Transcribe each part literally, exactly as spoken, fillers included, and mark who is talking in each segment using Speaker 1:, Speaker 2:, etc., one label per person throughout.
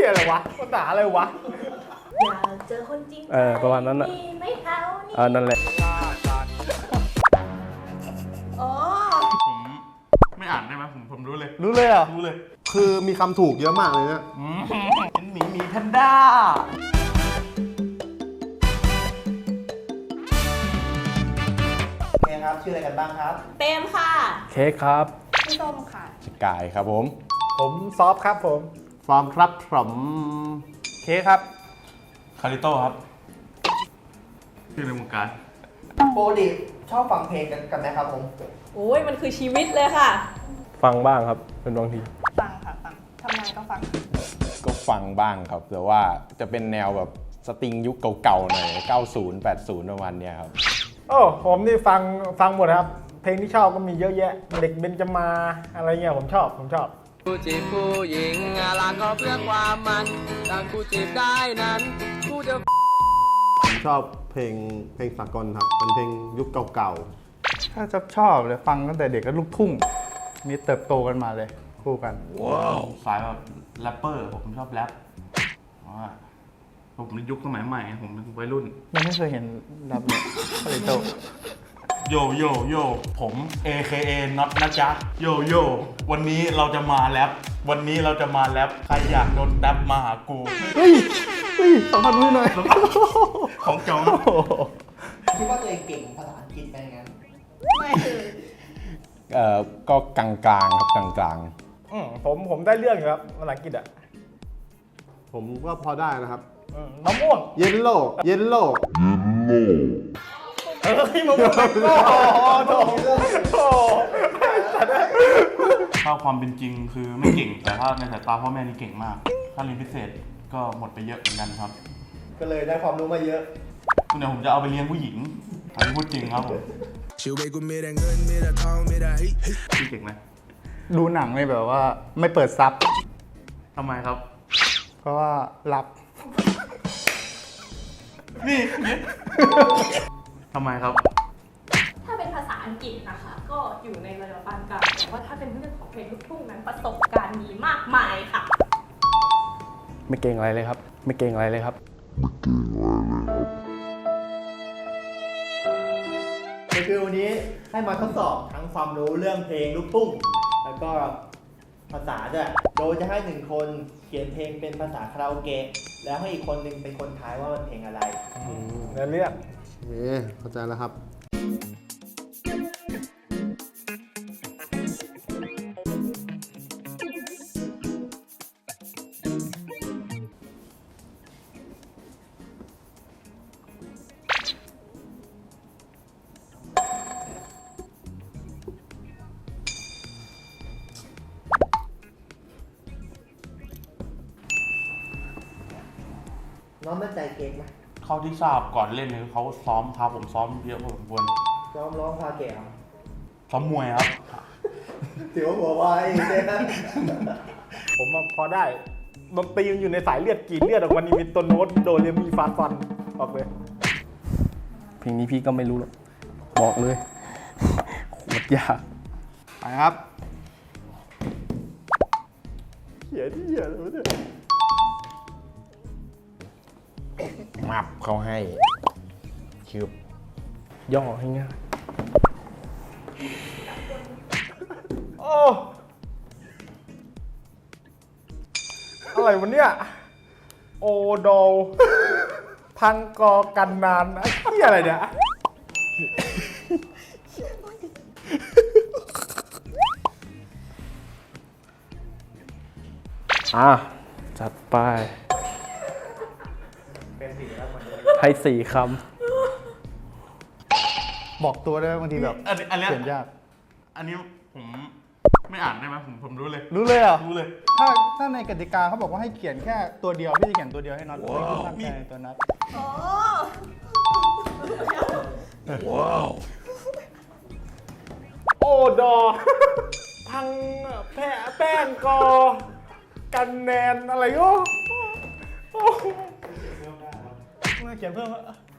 Speaker 1: ยอะไรวะภาษาอะไรวะ
Speaker 2: อยากเจอคนจริงเออประมาณนั้นอ่ะไม่เท่านี่เออนั่นแหละ
Speaker 3: อ๋อผมไม่อ่านได้ไหมผมผมรู้เลย
Speaker 1: รู้เลยอ่ะ
Speaker 3: รู้เลย
Speaker 4: คือมีคำถูกเยอะมากเลยเนี่ย
Speaker 3: เป็นหมีหมีแพนด้า
Speaker 5: โอเคครับชื่ออะไรกันบ้างครับ
Speaker 2: เต็มค่ะ
Speaker 1: เค้กครับ
Speaker 2: พี่ส้มค่ะ
Speaker 4: สกายครับผม
Speaker 1: ผมซอฟครับผม
Speaker 4: ฟอร์มครับผม
Speaker 1: เค้กครับ
Speaker 3: คาริโต้ครับชื่อในวงการ
Speaker 5: ปกติชอบฟังเพลงกันกันไหมครับผม
Speaker 2: โอ้ยมันคือชีวิตเลยค่ะ
Speaker 1: ฟังบ้างครับเป็นบางที
Speaker 2: ฟังค่ะฟังทำงานก็ฟัง
Speaker 4: ก็ฟังบ้างครับแต่ว่าจะเป็นแนวแบบสตริงยุคเก่าๆหน่อยเก้าสิบ แปดสิบประมาณเนี้ยครับ
Speaker 1: โอ้ผมนี่ฟังฟังหมดครับเพลงที่ชอบก็มีเยอะแยะเด็กเบญจมาอะไรเงี้ยผมชอบผมชอบ
Speaker 6: ผู้จีบผู้หญิงรักก็เพื่อความมันต่างผู้จีบได้นั้นผู้จะ
Speaker 4: ผมชอบเพลงเพลงสากลครับเป็นเพลงยุคเก่า
Speaker 7: ๆถ้าจะชอบเลยฟังตั้งแต่เด็กก็ลูกทุ่งมีเติบโตกันมาเลยคู่กัน
Speaker 3: ว้าวสายแบบแรปเปอร์ผมชอบแรปว่าผมในยุคสมัยใหม่ผมเป็นวัยรุ่น
Speaker 7: ยังไม่เคยเห็นแรปเลยคาริโต
Speaker 3: โยโยโยผม เอ เค เอ น็อตนะจ๊ะโยโยวันนี้เราจะมาแรปวันนี้เราจะมาแรปใครอยากโดนแรปมาหากู
Speaker 7: เฮ้ยเฮ้ยสัมผัสมือหน่อย
Speaker 3: ของจอง
Speaker 5: คิดว่าตัวเองเก่งภาษาอังกฤษไหมงั้น
Speaker 2: ไม่คือ
Speaker 4: เอ่อก็กลางๆครับกลาง
Speaker 1: ๆอืมผมผมได้เรื่องอยู่ครับภาษาอังกฤษอ่ะ
Speaker 4: ผมก็พอได้นะครับ
Speaker 1: มะม่วง
Speaker 4: เยลโล่เยลโล่
Speaker 1: เฮ้ยมะม่วงโอ้โหโอ้
Speaker 3: ถ้าความเป็นจริงคือไม่เก่งแต่ถ้าในสายตาพ่อแม่นี่เก่งมากถ้าเรียนพิเศษก็หมดไปเยอะเหมือนกันครับ
Speaker 5: ก็เลยได้ความรู้มาเยอะ
Speaker 3: คุณเนี่ยผมจะเอาไปเลี้ยงผู้หญิงอันนี้พูดจริงครับผมพี่เก่งไหม
Speaker 7: ดูหนังเลยแบบว่าไม่เปิดซับ
Speaker 3: ทำไมครับ
Speaker 7: เพราะว่ารับ
Speaker 3: นี่ทำไมครับ
Speaker 2: ถ้าเป็นภาษาอังกฤษนะคะก็อยู่ในระดับปานกลางแต่ว่าถ้าเป็นเรื่องของเพลงลูกทุ่งนั้นประสบการณ์มีมากมายค่ะ
Speaker 1: ไม่เก่งอะไรเลยครับไม่เก่งอะไรเลยครับ
Speaker 5: ก็คือวันนี้ให้มาทดสอบทั้งความรู้เรื่องเพลงลูกทุ่งแล้วก็ภาษาด้วยโดยจะให้หนึ่งคนเขียนเพลงเป็นภาษาคาราโอเกะแล้วให้อีกคนหนึ่งเป็นคนทายว่ามันเพลงอะไร
Speaker 1: เรื่องเรื่อง
Speaker 4: เอ๊ะเข้าใจแล้วครับ
Speaker 5: น้องมั่นใจเก่งไหม
Speaker 3: เขาที่ทราบก่อนเล่นเนี่ยเขาซ้อมพาผมซ้อมเยอะพอสมควร
Speaker 5: ซ้อมร้องคาเกะ
Speaker 3: ซ้อมมวยครับ
Speaker 5: ถือว่าหัวไว
Speaker 1: ผมพอได้ดนตรีมันอยู่ในสายเลือดกีดเลือดออกมานี่มีต้นโน้ตโดเรมีฟาฟันออกเลยเพลงนี้พี่ก็ไม่รู้หรอกบอกเลยโคตรยาก
Speaker 7: ไปครับ
Speaker 1: เขียนที่เขียนเลยเนี่ย
Speaker 4: มับเขาให้ชืบ
Speaker 1: ย่อให้ง่ายโอ้อะไรวะเนี่ยโอโดพังกอกันนานไอ้เหี้ยอะไรเนี่ยอ่ะจัดไปให้สี่ค
Speaker 7: ำบอกตัวได้บางทีแบบเขียนยาก
Speaker 3: อันนี้ผมไม่อ่านได้ไหมผมผมรู้เลย
Speaker 7: รู้เลยเหรอ
Speaker 3: รู้เลย
Speaker 7: ถ้าถ้าในกติกาเขาบอกว่าให้เขียนแค่ตัวเดียวพี่จะเขียนตัวเดียวให้น็อตไม่ตั้งใจตัวน็อต
Speaker 1: ว้าวโอดอพังแพ้แป้งกอกันแนนอะไรก็เขียนเพิ่ม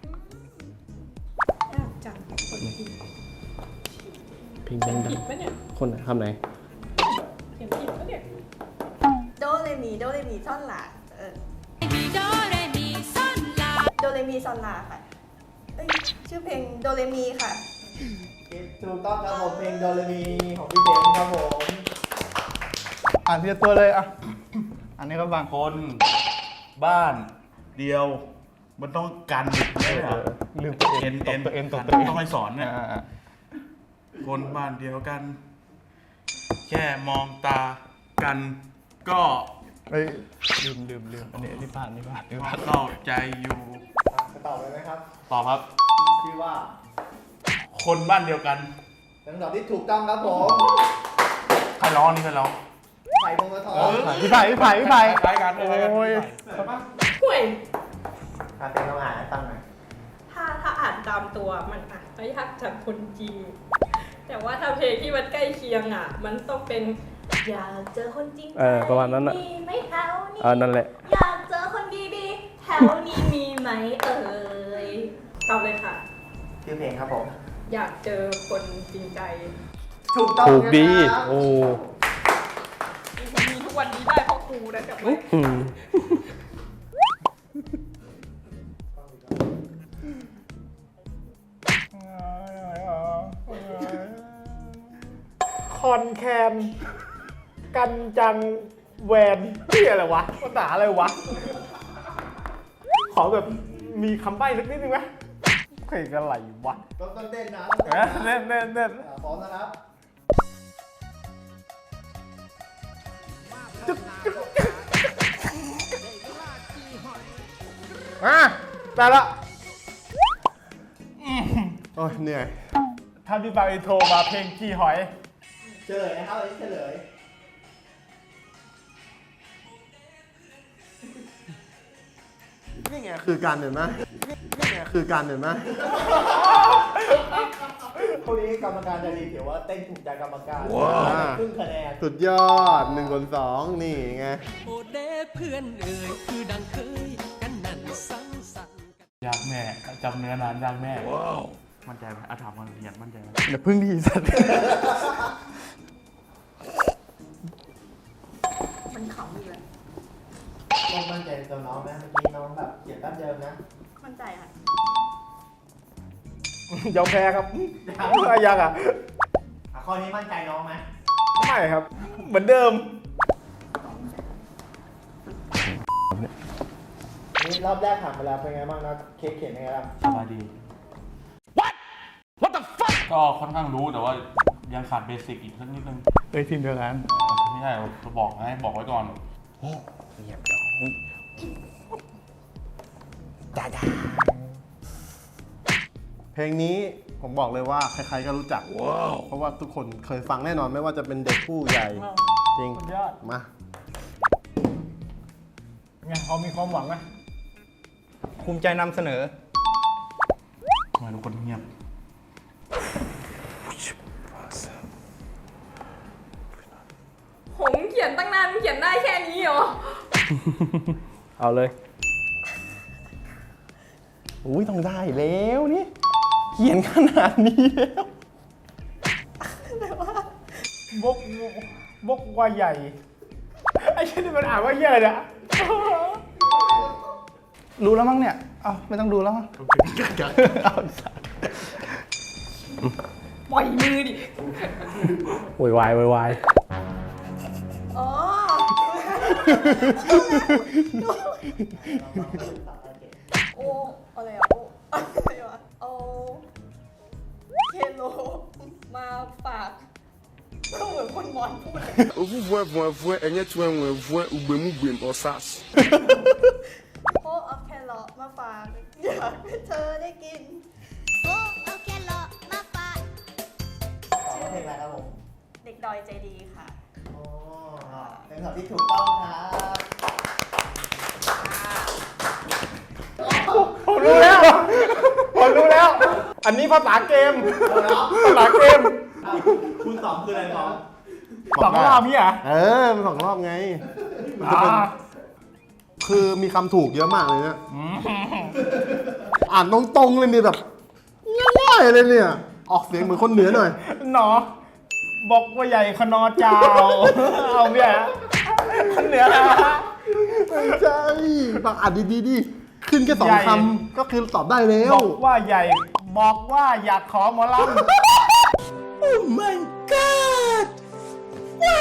Speaker 2: จังคนผิด
Speaker 1: เพลงดังคนไหนทำไหน
Speaker 2: เขียนผิดปะเนี่ยโดเรมีโดเรมีท่อนหลัก
Speaker 8: โดเรมีซอนลาโดเรมีซอนลาค่ะเอ้ยชื่อเพลงโดเรมีค่ะ
Speaker 5: ถูกต้องครับผมเพลงโดเรมีของพี่เบนครับผม
Speaker 7: อ่านทีละตัวเลยอ่ะ อันนี้ก็บาง
Speaker 3: คนบ้านเดียว มันต้องกันไม่ใช่เหรอ
Speaker 7: ลืมตัวเอ
Speaker 3: เอ็
Speaker 7: ง
Speaker 3: น
Speaker 7: ต
Speaker 3: เอ็
Speaker 7: บ
Speaker 3: น
Speaker 7: ตัวเองตบตัวเอง
Speaker 3: ต้องให้สอนเนี่ย
Speaker 7: อ่า
Speaker 3: คนบ้านเดียวกัน แค่มองตากันก็
Speaker 7: เฮ้ยลืมลืมลืมอันนี้อันนี้ผ่านนี่ผ่านนี่ผ่าน
Speaker 3: เข้าใจอยู่
Speaker 5: อ่ะจะตอบเลยไหมครับ
Speaker 3: ตอบครับ
Speaker 5: ชื่อว่า
Speaker 3: คนบ้านเดียวกัน
Speaker 5: เป็นคำตอบที่ถูกต้องครับผม
Speaker 3: ใครร้องนี่ใครร้อง
Speaker 5: ไผ่พงศธร
Speaker 7: พี่ไผ่พี่ไผ่พี่ไผ่
Speaker 3: คล้ายกันคล้ายกัน
Speaker 7: โอ้ย
Speaker 2: ห่วย
Speaker 5: อ่ะเป็นคำอ่านให้ฟังหน่อย
Speaker 2: ถ้าถ้าอ่านตามตัวมันอ่ะไม่ยากจากคนจีนแต่ว่าถ้าเพลงที่มันใกล้เคียงอ่ะ มันต้องเป็นอยากเจอคนจริง
Speaker 1: เออประมาณนั้นน่ะ
Speaker 2: มีไหมแถวนี้
Speaker 1: เออนั่นแหละ
Speaker 2: อยากเจอคนดีๆแถวนี้มีไหมเอ่ยตอบเลยค่ะ
Speaker 5: ชื่อเพลงครับผม
Speaker 2: อยากเจอคนจริงใจ
Speaker 5: ถูกต้อง
Speaker 1: ถูกดี
Speaker 5: นะครับ
Speaker 1: โอ้
Speaker 2: มีทุกวันนี้ได้เพราะครูนะกับไม่
Speaker 1: อืมคอนแคนกันจังแวนที่อะไรวะภาษาอะไรวะ ขอแบบมีคำใบ้สักนิดนึงไหมเพลงอะไรวะ
Speaker 5: ต้องต้นเต้นนะ
Speaker 1: เอ๊ะเน่นเน่นเน่น
Speaker 5: อ่ะพร้อมนะครับ
Speaker 1: อ่ะได้ละ
Speaker 9: โอ้ยเหนื่อย
Speaker 1: ถ้าพี่ฟังอินโทรมาเพลงกี่หอย
Speaker 5: เฉลยนะครับอันนี้เฉลย
Speaker 9: นี่ไงคือการเห็นไหมนี่ไงคือการเห็นไหม
Speaker 5: คู่นี้กรรมการจะรีถือว่าเต้นถูกใจกรรมการ
Speaker 9: ว้าว
Speaker 5: ครึ่งคะแนน
Speaker 9: สุดยอดหนึ่งคนสองนี่ไง
Speaker 6: โอเดเพื่อนเอ่ยคือดังเคยกันนั่นสังสรรค์กัน
Speaker 3: ยากแม่จำเนื้อนานยากแม่ว้าวมั่นใจไหมอาถามมันเรียนมั่นใจไหม
Speaker 7: เดี๋ยวพึ่งดีสัตว์
Speaker 2: มันขำอีกแล้ว
Speaker 5: ต้องมั่นใจในตัวน้องนะเมื่อกี้น้องแบบเขียนแป๊บเดิมนะ
Speaker 2: มั่นใจค่ะ
Speaker 1: ยอมแพ้ครับยังอ่ะ
Speaker 5: อ่ะข้อนี้มั่นใจน้องไหม
Speaker 1: ไม่ครับ เหมือนเดิม
Speaker 5: นี่รอบแรกผ่านไปแล้วเป็นไงบ้างนะเค้กเขียนยังไงบ้าง
Speaker 3: สบายดี What What the fuck ก็ค่อนข้างรู้แต่ว่ายังขาดเบสิกอีกสักนิดนึง
Speaker 7: เอ้ยทีมเดียวกัน
Speaker 3: ไม่ใช่บอกให้บอกไว้ก่อน
Speaker 9: เพลงนี้ผมบอกเลยว่าใครๆก็รู้จัก เพราะว่าทุกคนเคยฟังแน่นอนไม่ว่าจะเป็นเด็กผู้ใหญ่ จริง
Speaker 1: สุดยอด
Speaker 9: มา
Speaker 1: ไงพอมีความหวังไหม
Speaker 7: ภูมิใจนำเสนอ
Speaker 3: ทำไมทุกคนเงียบ
Speaker 2: หงเขียนตั้งนานมันเขียนได้แค่นี้เหรอ
Speaker 1: เอาเลย
Speaker 9: อุ้ยต้องได้แล้วนี่ เขียนขนาดนี้แล้ว
Speaker 1: บกบกว่าใหญ่ ไอ้เช่นนี่มันอ่านว่าเหี้ยอะไรเนี่ย
Speaker 7: รู้แล้วมั้งเนี่ย เอาไม่ต้องดูแล้วมั้งเอาสัตว์
Speaker 2: ปล่อยมือดิ
Speaker 1: โวยวายโวยวาย
Speaker 8: อ๋อ โออะไรอ่ะ โออะไรวะเอาเคโลมาฝากต้องเหมือนคนมอนพูดเลย
Speaker 10: Ovu vue vue vue enye tue nwe vue ugbemu gbem osas.
Speaker 8: โอเอาแครอทมาฝากอยากให้เธอได้กิน
Speaker 11: โอ้เอาแครอทมาฝาก
Speaker 5: ตอบว่าเพลงอะไรครับผม
Speaker 8: เด็กดอยใจดีค่ะ
Speaker 5: อ๋อเป็นคำตอบที่ถูกต้องครับ
Speaker 1: ผมรู้แล้ว ผมรู้แล้ว อันนี้ภาษาเกม ภาษาเกม
Speaker 5: อ่ะคุณตอบคืออะไรน้อง
Speaker 1: สองรอบพี่อ่ะ
Speaker 9: เออมันสองรอบไง มันจะเป็น
Speaker 1: อ่า
Speaker 9: คือมีคำถูกเยอะมากเลยเนี่ยอ่านตรงๆเลยนี่แบบง่ายๆเลยเนี่ย ออกเสียงเหมือนคนเหนือหน่อย
Speaker 1: หนอ บอกว่าใหญ่ขนอจาว เอาเบี้ยคนเหนือนะ
Speaker 9: ไม่ใช่บางอ่านดีๆดิขึ้นแค่สอง
Speaker 1: ใหญ่
Speaker 9: คำก็คือตอบได้แล้ว
Speaker 1: บอกว่าใหญ่ บอกว่าอยากขอหมอลำ
Speaker 9: Oh my god ว้าว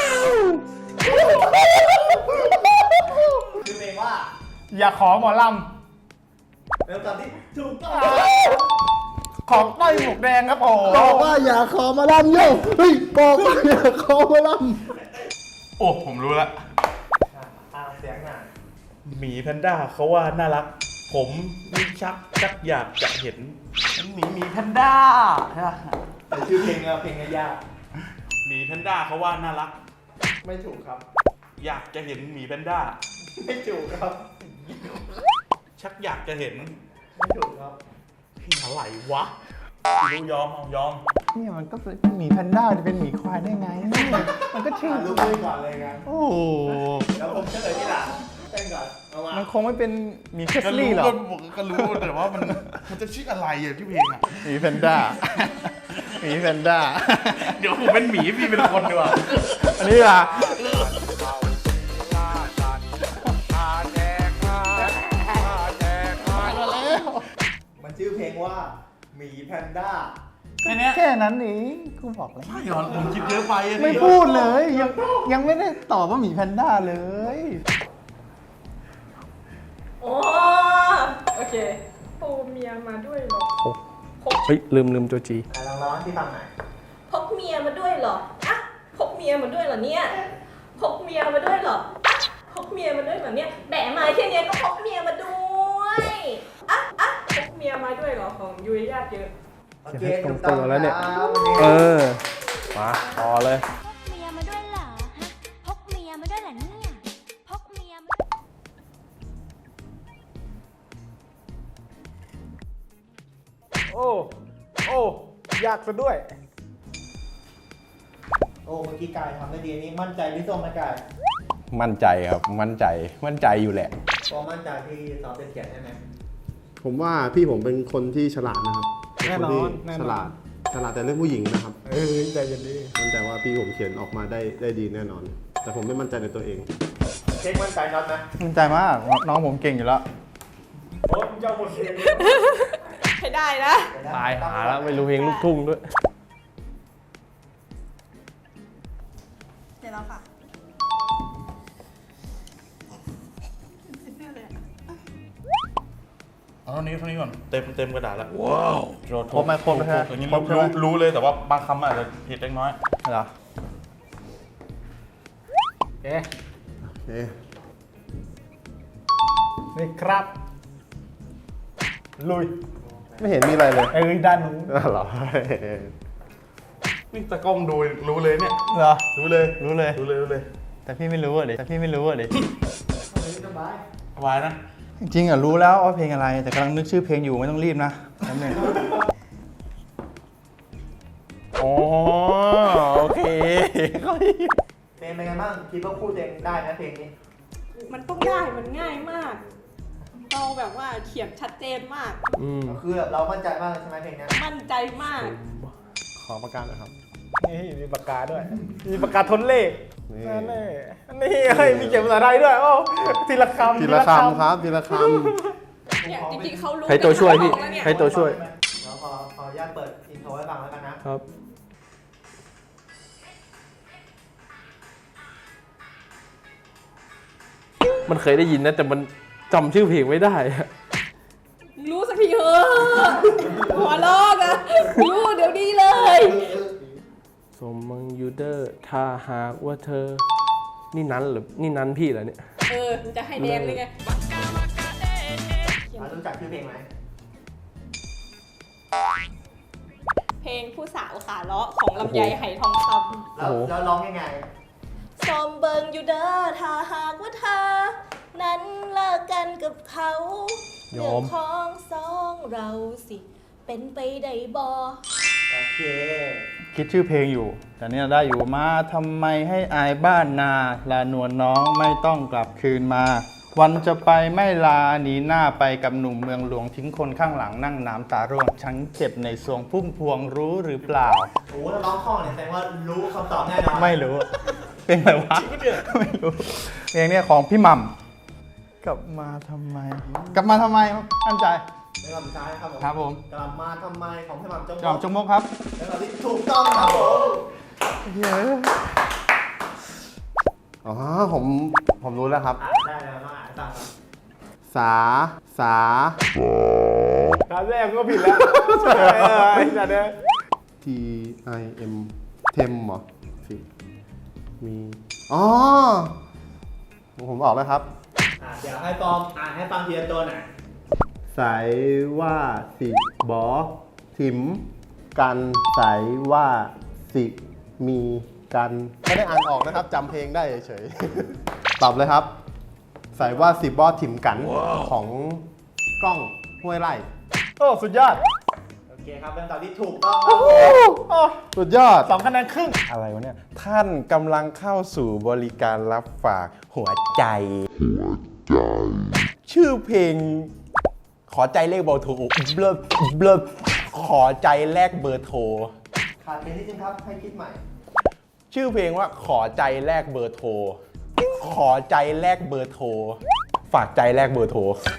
Speaker 5: คือเพลงว่า
Speaker 1: อยากขอหมอล
Speaker 5: เป็นคำตอบที่ถูกต้อง
Speaker 1: ำของต้อยหมวกแดงครับผม
Speaker 9: บอกว่าอย่าขอมาลำโย่เฮ้ยบอกว่าอย่าขอมาล
Speaker 3: โอ้ผมรู้ละ
Speaker 5: อ่าเสียงหน่อย
Speaker 3: หมีแพนด้าเขาว่าน่ารัก ผมนี่ชักชักอยากจะเห็น
Speaker 1: หมีหมีแพนด้าใช่ปะ
Speaker 5: แต่ชื่อเพลงอะเพลงอะยาก
Speaker 3: หมีแพนด้าเขาว่าน่ารัก
Speaker 5: ไม่ถูกครับ
Speaker 3: อยากจะเห็นหมีแพนด้า
Speaker 5: ไม่ถูกครับ
Speaker 3: ชักอยากจะเห็น
Speaker 5: ไม่ถูกครับ
Speaker 3: พี่อะไรวะรู้ยอมเอายอม
Speaker 7: เนี่ยมันก็เป็นหมีแพนด้าจะเป็นหมีควายได้ไง มันก็ชื่อ
Speaker 5: อ่ะรู้เลยก่อนเลยกัน
Speaker 7: โอ้โห
Speaker 5: แล้วผมเฉลยที่หลังเต้นก่อนเอามา
Speaker 7: มันคงไม่เป็นหมีเคส
Speaker 3: ก็
Speaker 7: ลี่
Speaker 3: รู้
Speaker 7: หรอ
Speaker 3: ก็
Speaker 7: ก
Speaker 3: บอกก็รู้แต่ว่ามันมันจะชื่ออะไรอ่ะที่เพลงอ่ะ
Speaker 7: หมีแพนด้า หมีแพนด้า
Speaker 3: เดี๋ยวผมเป็นหมีพี่เป็นคนดีกว่า
Speaker 7: อันนี้ล่ะ
Speaker 5: มันชื่อเพลงว่าหมีแพนด้า
Speaker 3: แค่เนี้ย
Speaker 7: แค่นั้นเองกูบอกแล้ว
Speaker 3: ใช่เหรอผมคิดเยอะไปอะ
Speaker 7: ไม่
Speaker 3: พี่
Speaker 7: พูดเลย ยังยังไม่ได้ตอบว่าหมีแพนด้าเลย
Speaker 2: โอ้โอเคโอ้เมียมาด้วยเหรอ
Speaker 6: เฮ้ย ลืมลืมตัวจี
Speaker 5: อ่ะลองร้องที่ฟังหน่อย
Speaker 2: พกเมียมาด้วยเหรออะพกเมียมาด้วยเหรอเนี่ยพกเมียมาด้วยเหรออะพกเมียมาด้วยเหรอเนี่ยแบะมาแค่เนี้ยก็พกเมียมาด้วยอะอะพกเมียมาด้วยเหรอของยุ้ยญาติเยอะ
Speaker 5: โอเค
Speaker 6: ตร
Speaker 5: ถู
Speaker 6: ง
Speaker 5: ก
Speaker 6: ตั
Speaker 5: ต้อง
Speaker 6: วแล้วเนี่ย
Speaker 5: ครับ
Speaker 6: เออ มาต่อเลย
Speaker 11: พกเมียมาด้วยเหรอฮะพกเมียมาด้วยเหรอเนี่ยพกเมียมา
Speaker 1: โอ้ โอ้ ยากซะด้วย
Speaker 5: โอ้เมื่อกี้กายทำได้ดีอันนี้มั่นใจพี่ส้มไหมกาย
Speaker 4: มั่นใจครับ มั่นใจ มั่นใจอยู่แหละ
Speaker 5: พอมั่นใจที่สอบเป็นเขียนใช่ไหม
Speaker 9: ำผมว่าพี่ผมเป็นคนที่ฉลาดนะครับเป็
Speaker 1: แน่นอน
Speaker 9: คที่
Speaker 1: แน่นอน
Speaker 9: ฉลาดฉลาดแต่เรื่องผู้หญิงนะครับ
Speaker 1: เอ้ยใจเย็นดิ
Speaker 9: มั่นใจว่าพี่ผมเขียนออกมาได้ได้ดีแน่นอน แต่ผมไม่มั่นใจในตัวเอง
Speaker 5: เช็คมั่นใจน็อตนะ
Speaker 7: มั่นใจมาก น้องผมเก่งอยู่แล้ว
Speaker 5: โอ้เจ้าหมดเพลง
Speaker 2: ให้ได้นะ
Speaker 6: ตายหาแล้วไม่รู้เพลงลูกทุ่งด้วย
Speaker 8: เดี๋ยวเราค่ะ
Speaker 3: เอาเท่านี้เท่านี้ก่อน เต็มเต็มกระดาษแล้ว ว้าว
Speaker 7: ครบไหมครบไหมฮะ
Speaker 3: อย่างนี้
Speaker 7: ครบใช่ไหม
Speaker 3: รู้รู้เลยแต่ว่าบางคำอาจจะผิดเล็กน้อย
Speaker 7: เหรอ
Speaker 1: โอเค
Speaker 9: โอเค
Speaker 1: นี่ครับ ลุย
Speaker 9: ไม่เห็นมีอะไรเลย
Speaker 1: เอ้ยด้านนู้น
Speaker 9: อ้าวเหรอ
Speaker 3: นี่ตะกล้องดูรู้เลยเนี่ย
Speaker 7: เหรอ
Speaker 3: รู้เลย
Speaker 7: รู้เลย
Speaker 3: รู้เลยรู้เลย
Speaker 7: แต่พี่ไม่รู้อ่ะดิแต่พี่ไม่รู้อ่ะดิ
Speaker 5: สบาย
Speaker 3: สบายนะ
Speaker 7: จริงๆอ่ะรู้แล้วว่าเพลงอะไร แต่กำลังนึกชื่อเพลงอยู่ไม่ต้องรีบนะแป๊บนึง
Speaker 4: อ๋อ โอเค
Speaker 5: เพลงเป็นไงบ้างคิดว่าพูดเองได้นะเพลงนี้
Speaker 2: มันต้องได้มันง่ายมากเราแบบว่าเขียนชัดเจนมาก
Speaker 6: อืม
Speaker 5: คือแบบเรามั่นใจมากใช่ไหมเพลงเนี้ย
Speaker 2: มั่นใจมาก
Speaker 9: ขอประกาศนะครับ
Speaker 1: นี่มีปากกาด้วย มีปากกาทนเลข
Speaker 9: นี่
Speaker 1: นั่นแน่นี่เฮ้ยมีเขียนภาษาไทยด้วย โอ้ทีละคำ
Speaker 9: ทีละคำครับ ทีละค
Speaker 2: เนี่ยจริงๆเขารู้
Speaker 6: ให้ตัวช่วยพี่
Speaker 2: กันทั้งห้องแล้วเนี่ย
Speaker 6: ให้ตัวช่วย
Speaker 5: เราขอขออนุญาตเปิดอินโทรให้ฟังแล้วกันนะ
Speaker 6: ครับ มันเคยได้ยินนะ แต่มันจำชื่อเพลงไม่ได้อะ
Speaker 2: รู้สักทีเถอะหัวลอกอะรู้เดี๋ยวนี้เลย
Speaker 6: สมมังยูเดอร์ ถ้าหากว่าเธอ นี่นั้นหรือนี่นั้นพี่เหรอเนี่ย
Speaker 2: เออมันจะให้แดงเลยไง
Speaker 5: เรารู้จักชื่อเพลงไหม
Speaker 2: เพลงผู้สาวขาเลาะของลำไยไหทองคำ
Speaker 5: แล้วแล้วร้องยังไง
Speaker 8: ซอมเบิงอยู่เด้อถ้าหากว่าเธอ นั้นเลิกกันกับเขา
Speaker 6: ย
Speaker 8: เรื่
Speaker 6: อ
Speaker 8: อ
Speaker 6: ม
Speaker 8: งของสองเราสิ เป็นไปได้บ่
Speaker 5: โอเค
Speaker 7: คิดชื่อเพลงอยู่ แต่เนี่ยได้อยู่มาทำไมให้อายบ้านนาลานวลน้องไม่ต้องกลับคืนมา วันจะไปไม่ลาหนีหน้าไปกับหนุ่มเมืองหลวงทิ้งคนข้างหลังนั่งน้ำตาร่วงฉันเจ็บในสวงพุ่มพวงรู้หรือเปล่า
Speaker 5: โอ้ถ้าร้องคล่องเนี่ยแสดงว่ารู้คำตอบแน่นอน
Speaker 7: ไม่รู้ เพลงอะไรวะไม่รู้เพลงเนี้ยของพี่หม่กลับมาทำไม กลับมาทำไมมั่นใจ
Speaker 5: เป็นคำสุดท้ายครับผม
Speaker 7: ครับผม
Speaker 5: กลับมาทำไมของพี่หม่ำจง
Speaker 7: กลับจงมกครับ
Speaker 5: เป็นคำที่ถูกต้องครับผม
Speaker 7: เฮ้ย
Speaker 9: อ๋อผมผมรู้แล้วครับ
Speaker 5: ได้แล้วมาอ่านตามครับ
Speaker 9: สา สา
Speaker 1: การแรกก็ผิดแล้วเออไอ้สัตว์เนี่ย
Speaker 9: T I M เทมเหรอสิมี อ๋อ ผมออกแล้วครับ
Speaker 5: อ่ะเดี๋ยวให้ฟอมอ่านให้ฟังทีละตัวหน่อย
Speaker 9: สายว่าสิบอถิม กันสายว่าสิมีกัน ไม่ได้อ่านออกนะครับจำเพลงได้เฉยๆ ตอบเลยครับ สายว่าสิบอถิมกันของกล้องห้วยไร่
Speaker 1: โอ้สุดยอด
Speaker 5: โอเคครับเป็นคำตอบที่ถูกต้องครับผม
Speaker 1: โอ้
Speaker 9: สุดยอด
Speaker 1: สองคะแนนครึ่ง
Speaker 4: อะไรวะเนี่ย ท่านกำลังเข้าสู่บริการรับฝากหัวใจ ชื่อเพลง ขอใจเลขเบอร์โทรเบลอเบลอขอใจแลกเบอร์โทร
Speaker 5: ขาดเพลงนิดนึงครับ ให้คิดใหม่
Speaker 4: ชื่อเพลงว่าขอใจแลกเบอร์โทร ขอใจแลกเบอร์โทร ฝากใจแลกเบอร์โทร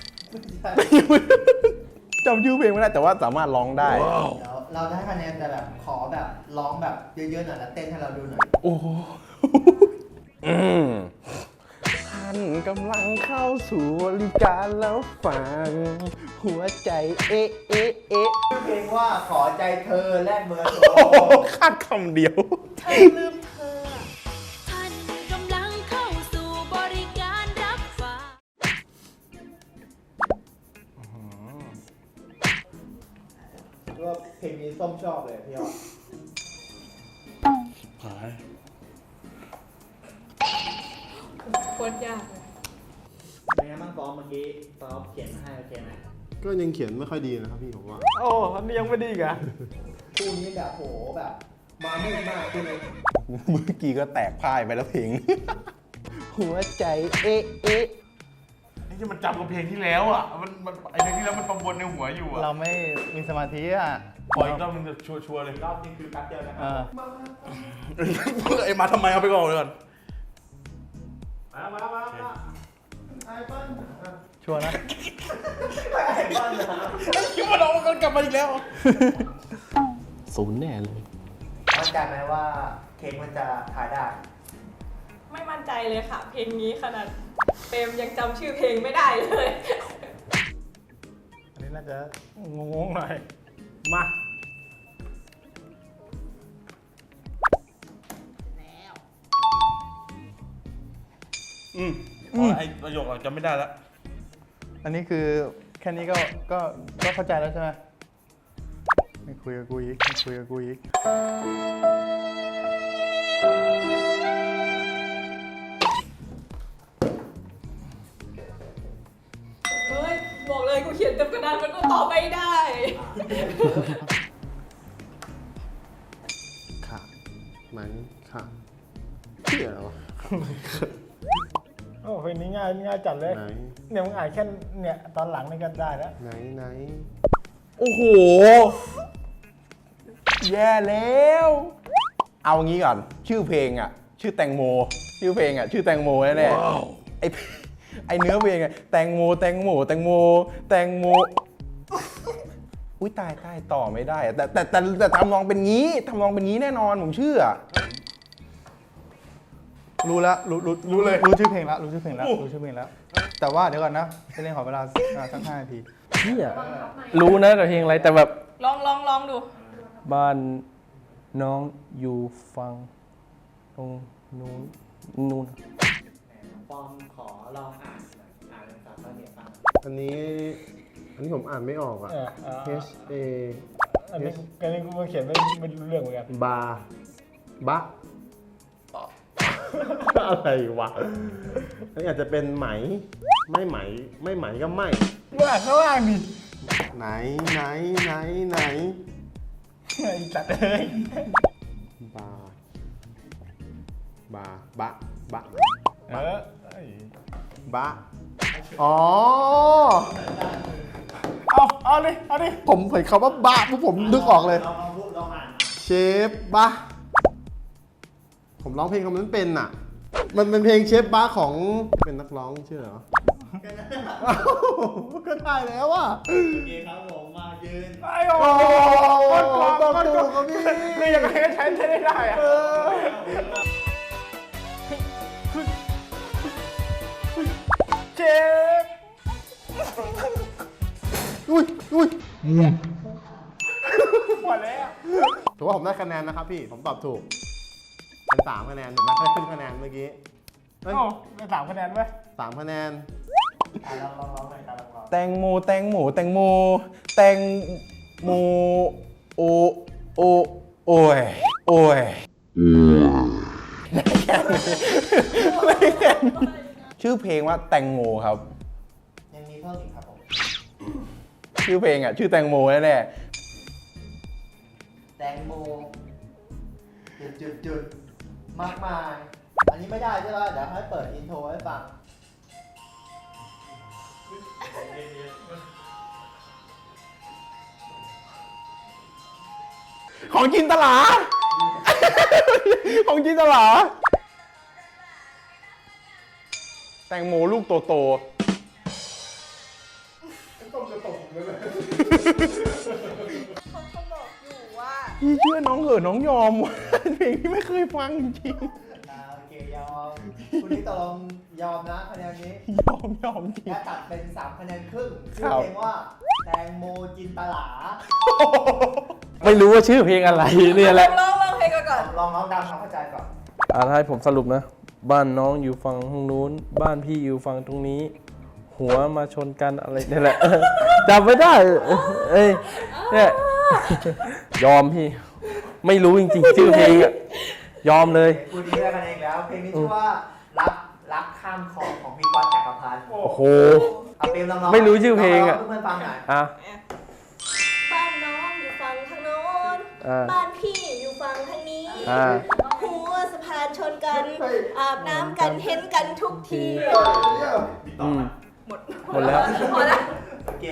Speaker 4: จำชื่อเพลงไม่ได้แต่ว่าสามารถร้องได้
Speaker 5: เดี๋ยวเราจะให้คะแนนแต่แบบขอแบบร้องแบบเยอะๆหน่อยแล้วเต้นให้เราดูหน่อย
Speaker 4: โอ้โหอืมท่านกำลังเข้าสู่บริการแล้วฟังหัวใจเอ๊ะเอ๊ะเอ๊ะ
Speaker 5: ชื่อเพลงว่าขอใจเธอแลกเบอร์โทร
Speaker 4: โอ้โหคาดคำเดียว
Speaker 11: เธอลืมเธอ ท่านกำลังเข้าสู่บริการรับฝาก
Speaker 5: ก็เพลงนี้ส้มชอบเลยพี่ยอด
Speaker 8: โคตรยากเลย
Speaker 5: เป็นไงบ้างฟอมเมื่อกี้ฟอมเขียนมาให้โอเคไหม
Speaker 9: ก็ยังเขียนไม่ค่อยดีนะครับพี่ผมว่า
Speaker 1: โอ้อันนี้ยังไม่ดีอีกอ่ะ
Speaker 5: คู่นี้แบบโหแบบมามืดมากคู่นี้
Speaker 4: เมื่อกี้ก็แตกพ่ายไปแล้วเพลง หัวใจเอ๊ะเอ๊ะ
Speaker 3: ไอ้ที่มันจำกับเพลงที่แล้วอ่ะ มันมันไอ้เพลงที่แล้วมันประมวลในหัวอยู่อ่ะ
Speaker 7: เราไม่มีสมาธิอ่ะ
Speaker 3: ปล่อยอีกรอบนึงแบบชัวร์ๆเลย
Speaker 5: รอบนี้คือแป๊บเดียวนะค
Speaker 7: เอ
Speaker 5: รับ
Speaker 7: อ
Speaker 3: ไอ้มาทำไมเอาไปก่อนเลยก่อน
Speaker 5: มามามามาไอเปิ้ล
Speaker 7: ชัวร์นะ
Speaker 5: ไอเปิ้ลนะครับ
Speaker 3: คิดว่าน้องมันกลับมาอีกแล้ว
Speaker 6: ศูนย์แน่เลย
Speaker 5: มั่นใจไหมว่าเค้กมันจะถ่ายได้
Speaker 8: ไม่มั่นใจเลยค่ะ เพลงนี้ขนาดเปรมยังจำชื่อเพลงไม่ได้เลย
Speaker 1: อันนี้น่าจะงงๆหน่อย มา
Speaker 3: อืมอ๋อไอ้ประโยคเราจำไม่ได้แล้ว
Speaker 7: อันนี้คือแค่นี้ก็ก็ก็เข้าใจแล้วใช่ไหมไม่คุยกับกูอีกไม่คุยกับกูอีก
Speaker 8: เฮ้ย บอกเลยกูเขียนเต็มกระดานมันก็ตอบไม่ได้
Speaker 9: ค่ะไหมค่ะเที่ยวะ
Speaker 1: โอ้เพลงนี้ง่ายง่ายจัดเลย
Speaker 9: ไหน
Speaker 1: เนี่ยมึงอ่านแค่เนี่ยตอนหลังนี่ก็ได้แล้ว
Speaker 9: ไหนไหน
Speaker 4: โอ้โห แย่แล้ว เอางี้ก่อน ชื่อเพลงอ่ะ ชื่อแตงโม ชื่อเพลงอ่ะ ชื่อแตงโมแน่ๆไอไอเนื้อเพลงอ่ะ แตงโม แตงโม แตงโม แตงโม อุ้ยตายตายต่อไม่ได้อะแต่แต่แต่แต่ทำนองเป็นงี้ทำนองเป็นงี้แน่นอนผมเชื่อ
Speaker 7: รู้แล้วรู้รู้รู้เลยรู้ชื่อเพลงแล้วรู้ชื่อเพลงแล้วรู้ชื่อเพลงแล้ว แต่ว่าเดี๋ยวก่อนนะไปเล่นขอเวลาอ่าสักห้านาที
Speaker 6: พี่อะรู้นะแต่เพลงอะไรแต่แบบ
Speaker 8: ลองลองลองดู
Speaker 6: บ้านน้องอยู่ฟังตรงนู้นนู้น
Speaker 5: ฟอมขอลองอ่านหน่อยอ่านเป็นภาษาเหนือฟัง
Speaker 9: อันนี้ อันนี้ผมอ่านไม่ออกอ่ะ
Speaker 1: เออเออ
Speaker 9: H A
Speaker 1: อันนี้อันนี้กูเขียนไม่ไม่รู้เรื่องเหมือนกัน
Speaker 9: บาบะอะไรวะอันนี้อาจจะเป็นไหม ไม่ไหม ไม่ไหมก็ไม่
Speaker 1: มึงอ่านข้างล่างดิ
Speaker 9: ไหนไหนไหนไหน
Speaker 1: ไอ้สัตว์เอ้ย
Speaker 9: บา บา บะ บะ
Speaker 1: เออไอ้
Speaker 9: บะ อ๋อ
Speaker 1: เอาเอาดิเอาดิ
Speaker 9: ผมเห็นคำว่าบะปุ๊บผมนึกออกเลย
Speaker 5: ลองลองพูดลองอ่าน
Speaker 9: เชฟบะ ผมร้องเพลงคำนั้นเป็นอ่ะ มันเป็นเพลงเชฟบะของเป็นนักร้องชื่ออะไรวะ
Speaker 5: กันนะ
Speaker 9: เอ้าก็ได้แล้วอ่ะ
Speaker 5: โอเคครับผมมายืน
Speaker 1: ไอ้โอ้
Speaker 9: โอ้
Speaker 1: โห
Speaker 9: ต้องถูกครับพี่
Speaker 1: คือยังไงก็ใช้ใช้ได้ได้อะ เจ็บ
Speaker 9: อุ้ยอุ้ย
Speaker 1: หมดแล้ว
Speaker 9: ถือว่าผมได้คะแนนนะครับพี่ ผมตอบถูก เป็นสามคะแนนถูกไหมได้ครึ่งคะแนนเมื่อกี้เฮ้ย
Speaker 1: โอ้ได้สามคะแนนไหม
Speaker 9: สามคะแนน
Speaker 5: อ่ะลองลองลองหน่อยครับลองลอง
Speaker 4: แตงโมแตงโมแตงโมแตงโมโอโอโอ้ยโอ้ยได้แค่นี้ได้แค่นี้ชื่อเพลงว่าแตงโมครับ
Speaker 5: ยังมีเพิ่มอีกครับผม
Speaker 4: ชื่อเพลงอ่ะชื่อแตงโมแน่
Speaker 5: แตงโมจุดจุดจุดมากมาย อันนี้ไม่ได้ใช่ไหมเดี๋ยวให้เปิดอินโทรให้ฟัง
Speaker 4: ๆของจินตลา ของจินตลา แตงโมลูกโตโต
Speaker 8: เขาเขาบอกอยู่ว่า
Speaker 4: พี่เชื่อน้องเหอะน้องยอมว่ะเพลงที่ไม่เคยฟังจริง
Speaker 5: อ่าโอเคยอม คุณนี่ตกลงยอมนะคะแนนนี้
Speaker 4: ๆยอมยอมจริง
Speaker 5: และตัดเป็นสามคะแนนครึ่งชื่
Speaker 4: ค
Speaker 5: อ
Speaker 4: รับ
Speaker 5: เพลงว่าแตงโมจินตลา
Speaker 6: ไม่รู้ว่าชื่อเพลงอะไรเนี่ยแหละ
Speaker 8: ลองลองเพลงก่อน
Speaker 5: ลองน้องดำความเข้าใจก่อน
Speaker 6: อ่าถ้าให้ผมสรุปนะ บ้านน้องอยู่ฝั่งทางนู้น บ้านพี่อยู่ฝั่งตรงนี้ หัวมาชนกันอะไรนี่แหละ จำไม่ได้ เอ้ยเนี่ยยอมพี่ ไม่รู้จริงๆ ชื่อเพลงอะยอมเลย
Speaker 5: คุณนี่ได้คะแนนอีกแล้ว เพลงนี้ชื่อว่ารักรักข้ามคลองของพี่ก๊อตจักรพันธ์
Speaker 6: โอ้โห
Speaker 5: เอาเพลงลองๆ
Speaker 6: ไม่รู้ชื่อเพลงอะ
Speaker 5: เพื่อนๆฟังหน่อย
Speaker 6: อ่ะ
Speaker 2: บ้านน้องอยู่ฝั่งทางโน้น
Speaker 6: อ่า
Speaker 2: บ้านพี่อยู่ฝั่งทางนี้
Speaker 6: อ่า
Speaker 2: หัวสะพานชนกัน อาบน้ำกันเห็นกันทุกที
Speaker 6: อืมหมดหมดแล้ว
Speaker 2: พอแล้ว
Speaker 5: โอเค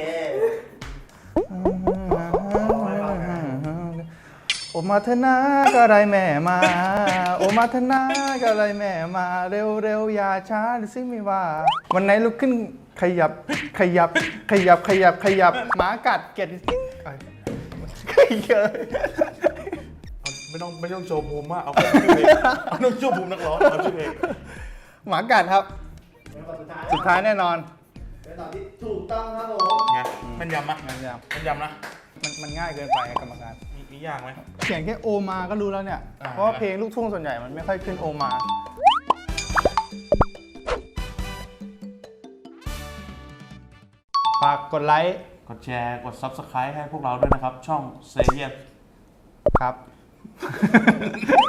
Speaker 7: โอมาเถอะนะก็ไรแม่มา โอมาเถอะนะก็ไรแม่มา เร็วเร็วอย่าช้าหรือซิไม่ว่า วันไหนลุกขึ้นขยับขยับขยับขยับขยับหมากัดเกลียดขยับ
Speaker 3: ไม่ต้องไม่ต้องโชว์ภูมิมากเอาแค่ชื่อเพลงเอาต้องโชว์ภูมินักร้องเอาชื่อเพลง
Speaker 7: หมากัดครับ
Speaker 5: เป็นคำสุดท้าย
Speaker 7: สุดท้ายแน่นอน
Speaker 5: เป็นตอบที่ถูกต้องครับผม
Speaker 3: ไงแมันยำไหม
Speaker 7: มันย
Speaker 3: แมันยำนะ
Speaker 7: มันมันง่ายเกินไปกรรมการ
Speaker 3: มีมียากไหม
Speaker 7: เขียนแค่โอมาก็รู้แล้วเนี่ย
Speaker 3: อ่า
Speaker 7: เพราะว่าเพลงลูกทุ่งส่วนใหญ่มันไม่ค่อยขึ้นโอมา ฝากกดไลค์
Speaker 3: กดแชร์กด ซับสไครบ์ ให้พวกเราด้วยนะครับ ช่องเซเยส
Speaker 7: ครับ